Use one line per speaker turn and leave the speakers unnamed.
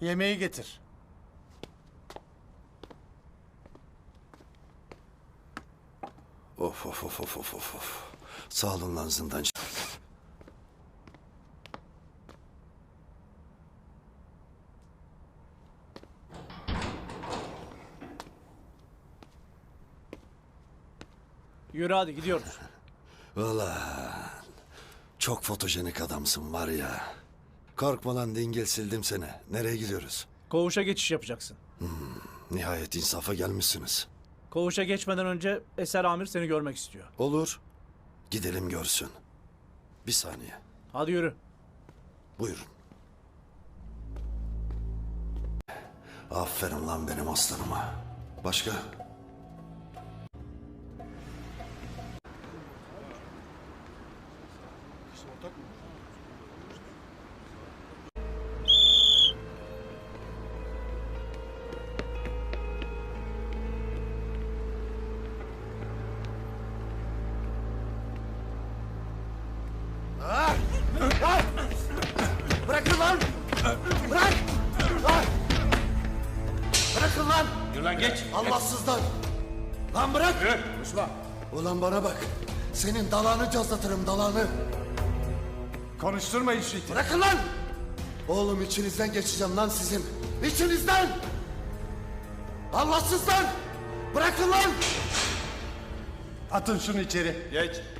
Yemeği getir.
Of of of of of of. Sağ olun lan zindancı.
Yürü hadi gidiyoruz.
Ulan çok fotojenik adamsın var ya. Korkma lan dingil, sildim seni. Nereye gidiyoruz?
Koğuşa geçiş yapacaksın.
Nihayet insafa gelmişsiniz.
Koğuşa geçmeden önce Eser Amir seni görmek istiyor.
Olur. Gidelim görsün. Bir saniye.
Hadi yürü.
Buyurun. Aferin lan benim aslanıma. Başka?
Bırakın lan! Bırak! Lan! Bırakın lan!
Yürü lan geç.
Allahsızlar! Lan bırak!
Yürü. Konuşma.
Ulan bana bak. Senin dalağını cazlatırım, dalağını.
Konuşturma işi.
Bırakın lan! Oğlum içinizden geçeceğim lan sizin. İçinizden! Allahsızlar! Bırakın lan!
Atın şunu içeri. Geç.